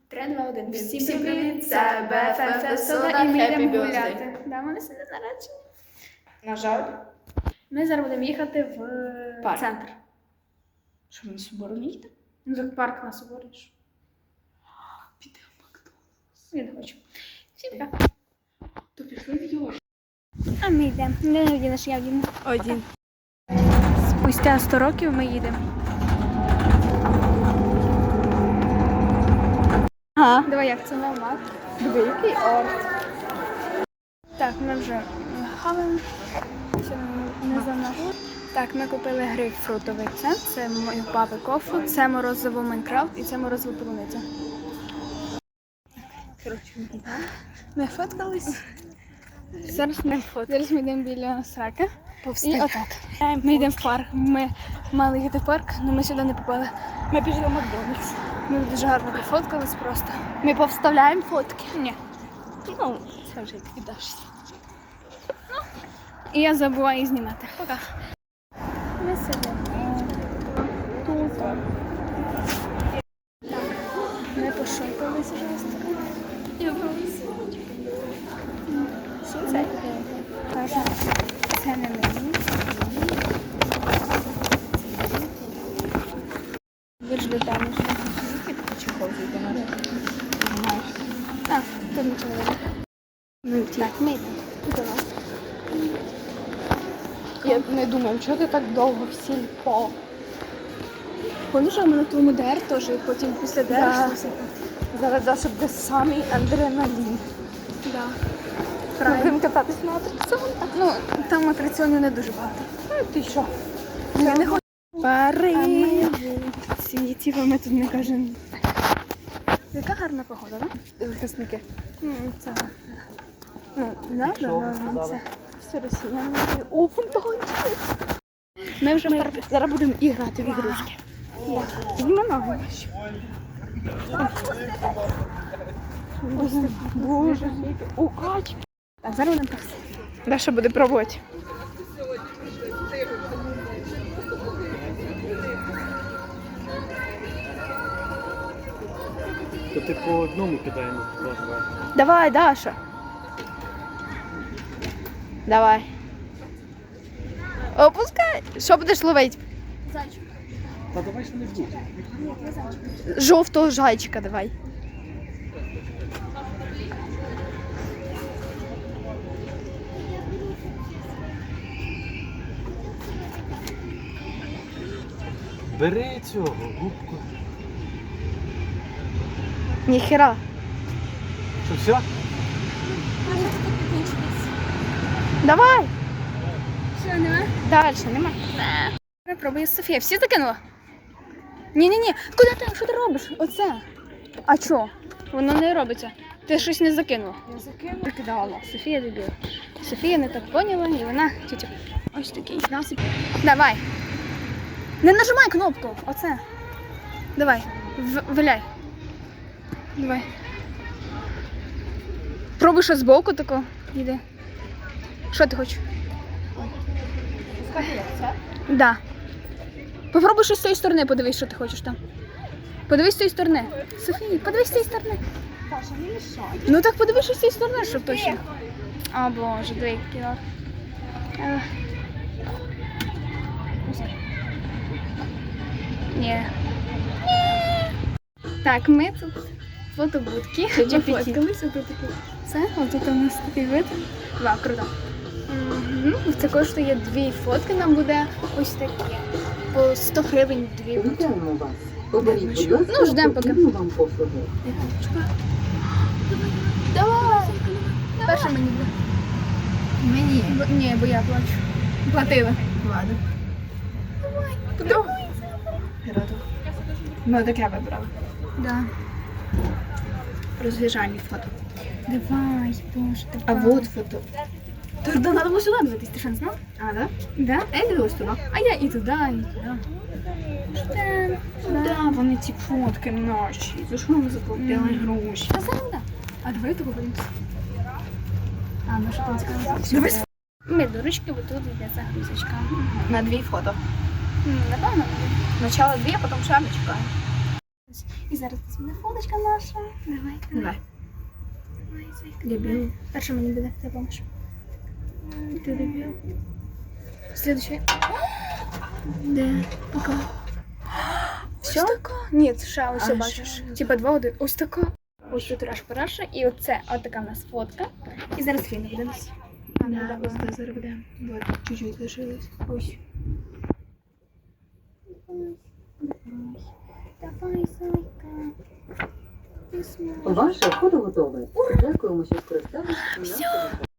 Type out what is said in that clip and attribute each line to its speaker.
Speaker 1: 3, 2, 1.
Speaker 2: Всім привіт, це БФФ Сода і ми йдемо гуляти.
Speaker 1: Да, вони сьогодні наречені.
Speaker 2: На жаль,
Speaker 1: Ми зараз будемо їхати в
Speaker 2: Парк.
Speaker 1: центр.
Speaker 2: що ми на Собору не їдемо?
Speaker 1: Ну, так парк нас обориш.
Speaker 2: Підемо в Макдональдс.
Speaker 1: Я не хочу. Всім пока.
Speaker 2: То пішли в Йош.
Speaker 1: А ми йдемо. Не вдінеш, я вдіну.
Speaker 2: Один.
Speaker 1: Спустя 100 років ми їдемо.
Speaker 2: Ага.
Speaker 1: Давай, як це нормально.
Speaker 2: Диви, який орт.
Speaker 1: Так, ми вже хаваємо. Ще не занадто. Так, ми купили грейпфрутовий це мої папи кофу, це морозиво Майнкрафт і це морозиво полуниця.
Speaker 2: Коротше,
Speaker 1: Ми фоткались. Зараз ми йдемо біля сраки. І отак. Ми йдемо в парк. Ми мали їхати в парк, але ми сюди не попали.
Speaker 2: ми пішли в Макдональдс.
Speaker 1: Ми дуже гарно пофоткались просто.
Speaker 2: Ми повставляємо фотки.
Speaker 1: Ні.
Speaker 2: Ну, це вже ти віддашся.
Speaker 1: І я забуваю знімати. Пока. Ми сидимо. Тут. Так. Ми пошукалися жорстко.
Speaker 2: Я просто.
Speaker 1: Що це? Каже, це не мені. Ви ж там уже.
Speaker 2: Чехол зійде на руку. Знаєш.
Speaker 1: А, тут нічого не буде.
Speaker 2: Ну,
Speaker 1: Так, ми йдемо. Давай.
Speaker 2: Я не думаю, чого ти так довго в сільпо?
Speaker 1: Помніш, ми на твоєму ДР теж, і потім після ДР
Speaker 2: Да.
Speaker 1: щось таке?
Speaker 2: Зараз Даша буде самий адреналін.
Speaker 1: Да.
Speaker 2: Ми
Speaker 1: Правильно.
Speaker 2: будемо кататись на атракціонах.
Speaker 1: Ну, там атракціонів не дуже багато.
Speaker 2: Ну, ти що?
Speaker 1: Я не хочу.
Speaker 2: Пари.
Speaker 1: А ми в світі, бо ми тут не кажемо. Яка гарна погода, так?
Speaker 2: Захисники.
Speaker 1: Це. Ну, не знаю, це.
Speaker 2: Все росіяни. О, фонтанчик.
Speaker 1: Ми вже
Speaker 2: Зараз будемо і грати в ігрушки.
Speaker 1: Знімо ноги.
Speaker 2: Ось так. Боже, у кач.
Speaker 1: Так, зараз будемо просто.
Speaker 2: Даша буде пробувати.
Speaker 3: То ти по одному кидаємо два.
Speaker 2: Давай, Даша. Давай. Опускай. Що будеш ловити?
Speaker 1: Зайчик.
Speaker 3: Та давай що не буде.
Speaker 1: Ні, я зайчик.
Speaker 2: Жовтого зайчика давай.
Speaker 3: Бери цього, губку.
Speaker 2: Ніхера.
Speaker 3: Що, все?
Speaker 2: Давай.
Speaker 1: Що, нема?
Speaker 2: Далі, нема.
Speaker 1: Пробує Софія. Всі закинула? Ні. Куди ти? Що ти робиш? Оце. А чо? Воно не робиться. Ти щось не закинула.
Speaker 2: Я закинула. Закидала.
Speaker 1: Софія дебіла. Софія не так поняла, і вона тютю. Ось такий насип. Давай. Не нажимай кнопку. Оце. Давай. Виляй. Давай. Пробуй щось збоку тако. Іди. Що ти хочеш?
Speaker 2: Скажи, як це?
Speaker 1: Да. Попробуй щось з цієї сторони, подивись, що ти хочеш там. Подивись з цієї сторони. Софія, подивись з цієї сторони.
Speaker 2: Даша, не мішай.
Speaker 1: Ну так подивись щось з цієї сторони, щоб точно. О боже, дві кіло. Ні. Так, ми тут фотобудки. Нафоткались, отут таке. Це, отут у нас такий вид. Вау, круто. Це коштує 2 фотки, нам буде ось таке. По 100 гривень 2 будуть.
Speaker 4: Вітаємо вас. Оберіть, будь ласка,
Speaker 1: Ну, ждемо, поки.
Speaker 4: потрібну вам послугу.
Speaker 1: Давай! Перше мені буде.
Speaker 2: Мені.
Speaker 1: Ні, бо я плачу.
Speaker 2: Платила.
Speaker 4: Ладно.
Speaker 1: Давай.
Speaker 2: Ну, таке вибрала.
Speaker 1: Да.
Speaker 2: Розвіжальні фото.
Speaker 1: Давай, боже,
Speaker 2: А
Speaker 1: давай.
Speaker 2: вот фото.
Speaker 1: Тут треба було сюди дивитись, ти що не знав?
Speaker 2: А, да?
Speaker 1: Да?
Speaker 2: А я дивилась туди.
Speaker 1: А я і туди, і туди.
Speaker 2: Да, вони ці фотки наші. За що ми заплатили гроші?
Speaker 1: Та зараз да. А давай таку подивимося. А, ну що там сказала?
Speaker 2: Дивись.
Speaker 1: Ми до ручки, бо тут йде загрузочка.
Speaker 2: На 2 фото.
Speaker 1: Напевно.
Speaker 2: Спочатку 2, а потім ще ми чекаємо.
Speaker 1: І зараз у нас буде фоточка наша. Давай.
Speaker 2: Давай.
Speaker 1: Давай, зайка.
Speaker 2: Дебіл.
Speaker 1: Перша мені буде, ти помниш.
Speaker 2: Ти дебіл.
Speaker 1: Следующий.
Speaker 2: Де? Пока.
Speaker 1: Все? Ні, ще ось
Speaker 2: А,
Speaker 1: бачиш.
Speaker 2: ще?
Speaker 1: Типа 2-1. Ось така. Ось тут раша. І оце, отака в нас фотка. І зараз фільм буде у нас.
Speaker 2: Да, ось це зараз буде. Вот, чуть-чуть лишилось.
Speaker 1: Ось. Давай, зайка. Ти зможеш.
Speaker 4: Ваше фото готове. Дякуємо, що скористалися.